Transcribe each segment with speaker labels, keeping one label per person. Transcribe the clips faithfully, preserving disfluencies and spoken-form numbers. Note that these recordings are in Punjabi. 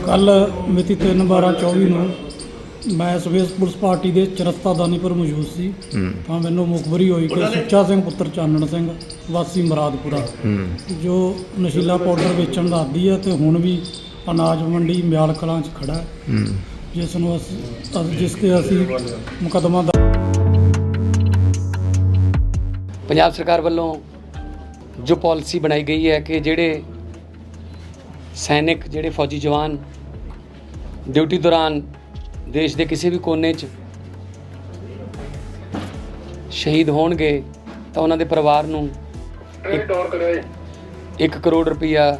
Speaker 1: ਕੱਲ ਮਿਤੀ ਤਿੰਨ ਬਾਰਾਂ ਚੌਵੀ ਨੂੰ ਮੈਂ ਸਵੇਸ ਪੁਲਿਸ ਪਾਰਟੀ ਦੇ ਚਰਸਤਾ ਦਾਨੀਪੁਰ ਮੌਜੂਦ ਸੀ ਤਾਂ ਮੈਨੂੰ ਮੁਖਬਰੀ ਹੋਈ ਕਿ ਸੁੱਚਾ ਸਿੰਘ ਪੁੱਤਰ ਚਾਨਣ ਸਿੰਘ ਵਾਸੀ ਮੁਰਾਦਪੁਰਾ ਜੋ ਨਸ਼ੀਲਾ ਪਾਊਡਰ ਵੇਚਣ ਦਾ ਆਦੀ ਹੈ ਤੇ ਹੁਣ ਵੀ ਅਨਾਜ ਮੰਡੀ ਮਿਆਲ ਕਲਾਂ 'ਚ ਖੜਾ ਹੈ, ਜਿਸ ਨੂੰ ਅਸੀਂ ਜਿਸ ਤੇ ਅਸੀਂ ਮੁਕੱਦਮਾ ਦ
Speaker 2: ਪੰਜਾਬ ਸਰਕਾਰ ਵੱਲੋਂ ਜੋ ਪਾਲਿਸੀ ਬਣਾਈ ਗਈ ਹੈ ਕਿ ਜਿਹੜੇ ਸੈਨਿਕ ਜਿਹੜੇ ਫੌਜੀ ਜਵਾਨ ਡਿਊਟੀ ਦੌਰਾਨ ਦੇਸ਼ ਦੇ ਕਿਸੇ ਵੀ ਕੋਨੇ 'ਚ ਸ਼ਹੀਦ ਹੋਣਗੇ ਤਾਂ ਉਹਨਾਂ ਦੇ ਪਰਿਵਾਰ ਨੂੰ ਇੱਕ ਕਰੋੜ ਰੁਪਈਆ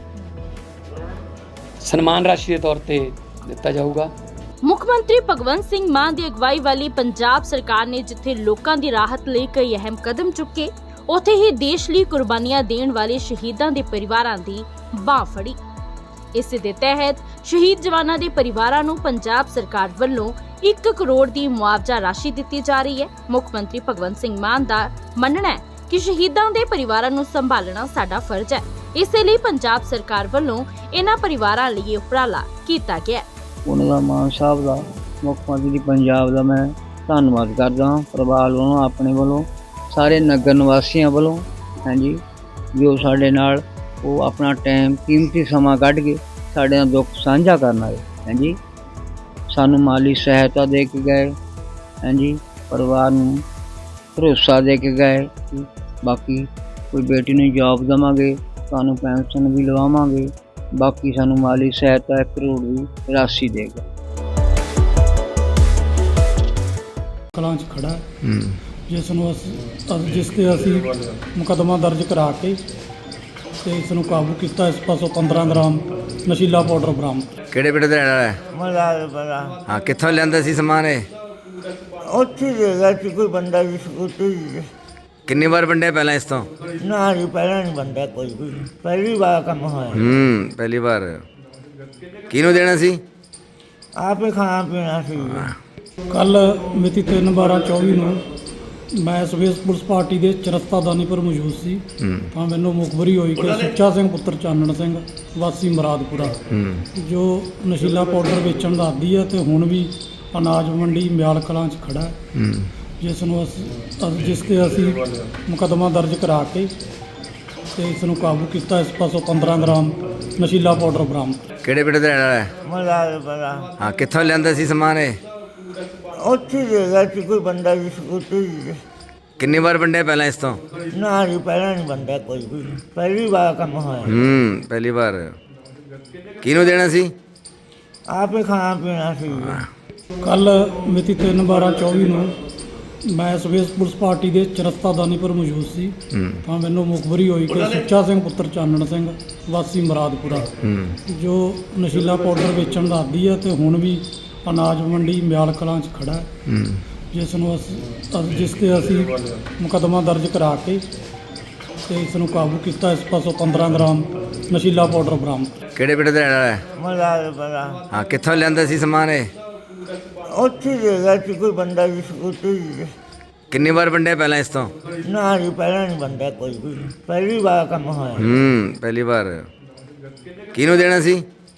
Speaker 2: ਸਨਮਾਨ ਰਾਸ਼ੀ ਦੇ ਤੌਰ ਤੇ ਦਿੱਤਾ ਜਾਊਗਾ।
Speaker 3: ਮੁੱਖ ਮੰਤਰੀ ਭਗਵੰਤ ਸਿੰਘ ਮਾਨ ਦੀ ਅਗਵਾਈ ਵਾਲੀ ਪੰਜਾਬ ਸਰਕਾਰ ਨੇ ਜਿੱਥੇ ਲੋਕਾਂ ਦੀ ਰਾਹਤ ਲਈ ਕਈ ਅਹਿਮ ਕਦਮ ਚੁੱਕੇ, ਉੱਥੇ ਹੀ ਦੇਸ਼ ਲਈ ਕੁਰਬਾਨੀਆਂ ਦੇਣ ਵਾਲੇ ਸ਼ਹੀਦਾਂ ਦੇ ਪਰਿਵਾਰਾਂ ਦੀ ਬਾਂਹ ਫੜੀ। ਇਸੇ ਦੇ ਤਹਿਤ ਸ਼ਹੀਦ ਜਵਾਨਾਂ ਦੇ ਪਰਿਵਾਰਾਂ ਨੂੰ ਪੰਜਾਬ ਸਰਕਾਰ ਵੱਲੋਂ ਇੱਕ ਕਰੋੜ ਦੀ ਮੁਆਵਜ਼ਾ ਰਾਸ਼ੀ ਦਿੱਤੀ ਜਾ ਰਹੀ ਹੈ। ਮੁੱਖ ਮੰਤਰੀ ਭਗਵੰਤ ਸਿੰਘ ਮਾਨ ਦਾ ਮੰਨਣਾ ਹੈ ਕਿ ਸ਼ਹੀਦਾਂ ਦੇ ਪਰਿਵਾਰਾਂ ਨੂੰ ਸੰਭਾਲਣਾ ਸਾਡਾ ਫਰਜ਼ ਹੈ, ਇਸੇ ਲਈ ਪੰਜਾਬ ਸਰਕਾਰ ਵੱਲੋਂ ਇਹਨਾਂ ਪਰਿਵਾਰਾਂ ਲਈ ਉਪਰਾਲਾ ਕੀਤਾ ਗਿਆ।
Speaker 4: ਉਹਨਾਂ ਦਾ ਮਾਨ ਸਾਹਿਬ ਦਾ, ਮੁੱਖ ਮੰਤਰੀ ਪੰਜਾਬ ਦਾ ਮੈਂ ਧੰਨਵਾਦ ਕਰਦਾ ਹਾਂ, ਪਰਿਵਾਰ ਵੱਲੋਂ, ਆਪਣੇ ਵੱਲੋਂ, ਸਾਰੇ ਨਗਰ ਨਿਵਾਸੀਆਂ ਵੱਲੋਂ। ਹਾਂਜੀ, ਜੋ ਸਾਡੇ ਨਾਲ ਉਹ ਆਪਣਾ ਟਾਈਮ ਕੀਮਤੀ ਸਮਾਂ ਕੱਢ ਕੇ ਸਾਡੇ ਨਾਲ ਦੁੱਖ ਸਾਂਝਾ ਕਰਨ ਆਏ। ਹਾਂਜੀ, ਸਾਨੂੰ ਮਾਲੀ ਸਹਾਇਤਾ ਦੇ ਕੇ ਗਏ। ਹਾਂਜੀ, ਪਰਿਵਾਰ ਨੂੰ ਭਰੋਸਾ ਦੇ ਕੇ ਗਏ ਕਿ ਬਾਕੀ ਕੋਈ ਬੇਟੀ ਨੂੰ ਜੋਬ ਦੇਵਾਂਗੇ, ਤੁਹਾਨੂੰ ਪੈਨਸ਼ਨ ਵੀ ਲਵਾਵਾਂਗੇ, ਬਾਕੀ ਸਾਨੂੰ ਮਾਲੀ ਸਹਾਇਤਾ ਇੱਕ ਕਰੋੜ ਦੀ ਰਾਸ਼ੀ ਦੇਗਾ।
Speaker 1: ਕਲਾਂ 'ਚ ਖੜਾ ਹੈ, ਜਿਸ ਨੂੰ ਅਸੀਂ ਜਿਸ ਤੇ ਅਸੀਂ ਮੁਕੱਦਮਾ ਦਰਜ ਕਰਾ ਕੇ ਤੇ ਇਸ ਨੂੰ ਕਾਬੂ ਕੀਤਾ। ਇਸ ਪਾਸੋਂ ਪੰਦਰਾਂ ਗ੍ਰਾਮ ਨਸ਼ੀਲਾ ਪਾਊਡਰ ਬਰਾਮਦ।
Speaker 5: ਕਿਹੜੇ ਪਿੰਡ ਦਾ ਰਹਿਣ ਵਾਲਾ ਹੈ?
Speaker 4: ਮਲਾਲਪੁਰਾ।
Speaker 5: ਹਾਂ, ਕਿੱਥੋਂ ਲਿਆਂਦਾ ਸੀ ਸਮਾਨ ਇਹ?
Speaker 4: ਉੱਥੇ ਦੇਗਾ ਸੀ ਕੋਈ ਬੰਦਾ ਜੀ ਸਕੂਟੀ।
Speaker 5: ਕਿੰਨੀ ਵਾਰ ਵੰਡਿਆ ਪਹਿਲਾਂ ਇਸ ਤੋਂ?
Speaker 4: ਨਾ ਜੀ, ਪਹਿਲਾਂ ਨਹੀਂ ਬੰਦਾ ਕੋਈ ਵੀ, ਪਹਿਲੀ ਵਾਰ ਕੰਮ ਹੋਇਆ।
Speaker 5: ਹੂੰ ਪਹਿਲੀ ਵਾਰ। ਕਿਹਨੂੰ ਦੇਣਾ ਸੀ?
Speaker 4: ਆਪੇ ਖਾਣਾ ਪੀਣਾ ਸੀ।
Speaker 1: ਕੱਲ ਮਿਤੀ ਤਿੰਨ ਬਾਰਾਂ ਚੌਵੀ ਨੂੰ ਮੈਂ ਸਵੇਸ ਪੁਲਿਸ ਪਾਰਟੀ ਦੇ ਚਰਸਤਾ ਦਾਨੀਪੁਰ ਮੌਜੂਦ ਸੀ ਤਾਂ ਮੈਨੂੰ ਮੁਖਬਰੀ ਹੋਈ ਕਿ ਸੁੱਚਾ ਸਿੰਘ ਪੁੱਤਰ ਚਾਨਣ ਸਿੰਘ ਵਾਸੀ ਮੁਰਾਦਪੁਰਾ ਜੋ ਨਸ਼ੀਲਾ ਪਾਊਡਰ ਵੇਚਣ ਦਾ ਆਦੀ ਹੈ ਤੇ ਹੁਣ ਵੀ ਅਨਾਜ ਮੰਡੀ ਮਿਆਲ ਕਲਾਂ 'ਚ ਖੜਾ ਹੈ, ਜਿਸ ਨੂੰ ਅਸੀਂ ਜਿਸ ਤੇ ਅਸੀਂ ਮੁਕੱਦਮਾ ਦਰਜ ਕਰਾ ਕੇ ਤੇ ਇਸ ਨੂੰ ਕਾਬੂ ਕੀਤਾ। ਇਸ ਪਾਸੋਂ ਪੰਦਰਾਂ ਗ੍ਰਾਮ ਨਸ਼ੀਲਾ ਪਾਊਡਰ ਬਰਾਮਦ।
Speaker 5: ਕਿਹੜੇ ਪਿੰਡ ਦਾ ਰਹਿਣ ਵਾਲਾ ਹੈ?
Speaker 4: ਮਲਾਲਪੁਰਾ।
Speaker 5: ਹਾਂ, ਕਿੱਥੋਂ ਲਿਆਂਦਾ ਸੀ ਸਮਾਨ ਇਹ?
Speaker 4: ਉੱਥੇ ਦੇਗਾ ਸੀ ਕੋਈ ਬੰਦਾ ਜੀ ਸਕੂਟੀ।
Speaker 5: ਕਿੰਨੀ ਵਾਰ ਵੰਡਿਆ ਪਹਿਲਾਂ ਇਸ ਤੋਂ?
Speaker 4: ਨਾ ਜੀ, ਪਹਿਲਾਂ ਨਹੀਂ ਬੰਦਾ ਕੋਈ ਵੀ, ਪਹਿਲੀ ਵਾਰ ਕੰਮ ਹੋਇਆ।
Speaker 5: ਹੂੰ ਪਹਿਲੀ ਵਾਰ। ਕਿਹਨੂੰ ਦੇਣਾ ਸੀ?
Speaker 4: ਆਪੇ ਖਾਣਾ ਪੀਣਾ ਸੀ।
Speaker 1: ਕੱਲ ਮਿਤੀ ਤਿੰਨ ਬਾਰਾਂ ਚੌਵੀ ਨੂੰ ਮੈਂ ਸਵੇਸ ਪੁਲਿਸ ਪਾਰਟੀ ਦੇ ਚਰਸਤਾ ਦਾਨੀਪੁਰ ਮੌਜੂਦ ਸੀ ਤਾਂ ਮੈਨੂੰ ਮੁਖਬਰੀ ਹੋਈ ਕਿ ਸੁੱਚਾ ਸਿੰਘ ਪੁੱਤਰ ਚਾਨਣ ਸਿੰਘ ਵਾਸੀ ਮੁਰਾਦਪੁਰਾ ਜੋ ਨਸ਼ੀਲਾ ਪਾਊਡਰ ਵੇਚਣ ਦਾ ਆਦੀ ਹੈ ਤੇ ਹੁਣ ਵੀ ਅਨਾਜ ਮੰਡੀ ਮਿਆਲ ਕਲਾਂ 'ਚ ਖੜਾ ਹੈ, ਜਿਸ ਨੂੰ ਅਸੀਂ ਜਿਸ ਤੇ ਅਸੀਂ ਮੁਕੱਦਮਾ ਦਰਜ ਕਰਾ ਕੇ ਤੇ ਇਸ ਨੂੰ ਕਾਬੂ ਕੀਤਾ। ਇਸ ਪਾਸੋਂ ਪੰਦਰਾਂ ਗ੍ਰਾਮ ਨਸ਼ੀਲਾ ਪਾਊਡਰ ਬਰਾਮਦ।
Speaker 5: ਕਿਹੜੇ ਪਿੰਡ ਦਾ ਰਹਿਣ ਵਾਲਾ ਹੈ?
Speaker 4: ਮਲਾਲਪੁਰਾ।
Speaker 5: ਹਾਂ, ਕਿੱਥੋਂ ਲਿਆਂਦਾ ਸੀ ਸਮਾਨ ਇਹ?
Speaker 4: ਉੱਥੇ ਦੇਗਾ ਸੀ ਕੋਈ ਬੰਦਾ ਜੀ ਸਕੂਟੀ।
Speaker 5: ਕਿੰਨੀ ਵਾਰ ਵੰਡਿਆ ਪਹਿਲਾਂ ਇਸ ਤੋਂ?
Speaker 4: ਨਾ ਜੀ, ਪਹਿਲਾਂ ਨਹੀਂ ਬੰਦਾ ਕੋਈ ਵੀ, ਪਹਿਲੀ ਵਾਰ ਕੰਮ ਹੋਇਆ।
Speaker 5: ਹੂੰ ਪਹਿਲੀ ਵਾਰ। ਕਿਹਨੂੰ ਦੇਣਾ ਸੀ?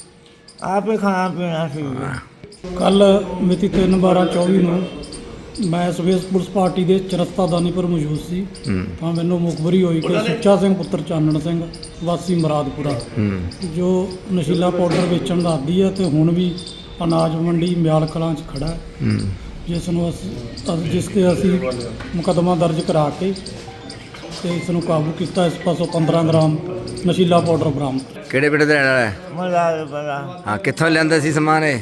Speaker 4: ਆਪੇ ਖਾਣਾ ਪੀਣਾ ਸੀ।
Speaker 1: ਕੱਲ ਮਿਤੀ ਤਿੰਨ ਬਾਰਾਂ ਚੌਵੀ ਨੂੰ ਮੈਂ ਸਵੇਸ ਪੁਲਿਸ ਪਾਰਟੀ ਦੇ ਚਰਸਤਾ ਦਾਨੀਪੁਰ ਮੌਜੂਦ ਸੀ ਤਾਂ ਮੈਨੂੰ ਮੁਖਬਰੀ ਹੋਈ ਕਿ ਸੁੱਚਾ ਸਿੰਘ ਪੁੱਤਰ ਚਾਨਣ ਸਿੰਘ ਵਾਸੀ ਮੁਰਾਦਪੁਰਾ ਜੋ ਨਸ਼ੀਲਾ ਪਾਊਡਰ ਵੇਚਣ ਦਾ ਆਦੀ ਹੈ ਤੇ ਹੁਣ ਵੀ ਅਨਾਜ ਮੰਡੀ ਮਿਆਲ ਕਲਾਂ 'ਚ ਖੜਾ ਹੈ, ਜਿਸ ਨੂੰ ਅਸੀਂ ਜਿਸ ਤੇ ਅਸੀਂ ਮੁਕੱਦਮਾ ਦਰਜ ਕਰਾ ਕੇ ਤੇ ਇਸ ਨੂੰ ਕਾਬੂ ਕੀਤਾ। ਇਸ ਪਾਸੋਂ ਪੰਦਰਾਂ ਗ੍ਰਾਮ ਨਸ਼ੀਲਾ ਪਾਊਡਰ ਬਰਾਮਦ।
Speaker 5: ਕਿਹੜੇ ਪਿੰਡ ਦਾ ਰਹਿਣ ਵਾਲਾ ਹੈ?
Speaker 4: ਮਲਾਲਪੁਰਾ।
Speaker 5: ਹਾਂ, ਕਿੱਥੋਂ ਲਿਆਂਦਾ ਸੀ ਸਮਾਨ ਇਹ?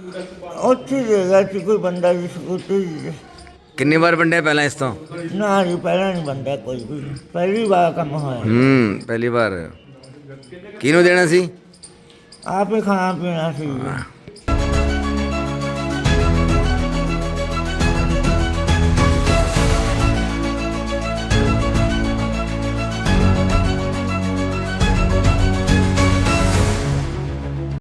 Speaker 4: ਉੱਥੇ ਦੇਗਾ ਸੀ ਕੋਈ ਬੰਦਾ ਜੀ ਸਕੂਟੀ।
Speaker 5: ਕਿੰਨੀ ਵਾਰ ਵੰਡਿਆ ਪਹਿਲਾਂ ਇਸ ਤੋਂ?
Speaker 4: ਨਾ ਜੀ, ਪਹਿਲਾਂ ਨਹੀਂ ਬੰਦਾ ਕੋਈ ਵੀ, ਪਹਿਲੀ ਵਾਰ ਕੰਮ ਹੋਇਆ।
Speaker 5: ਹੂੰ ਪਹਿਲੀ ਵਾਰ। ਕਿਹਨੂੰ ਦੇਣਾ ਸੀ?
Speaker 4: ਆਪੇ ਖਾਣਾ ਪੀਣਾ ਸੀ।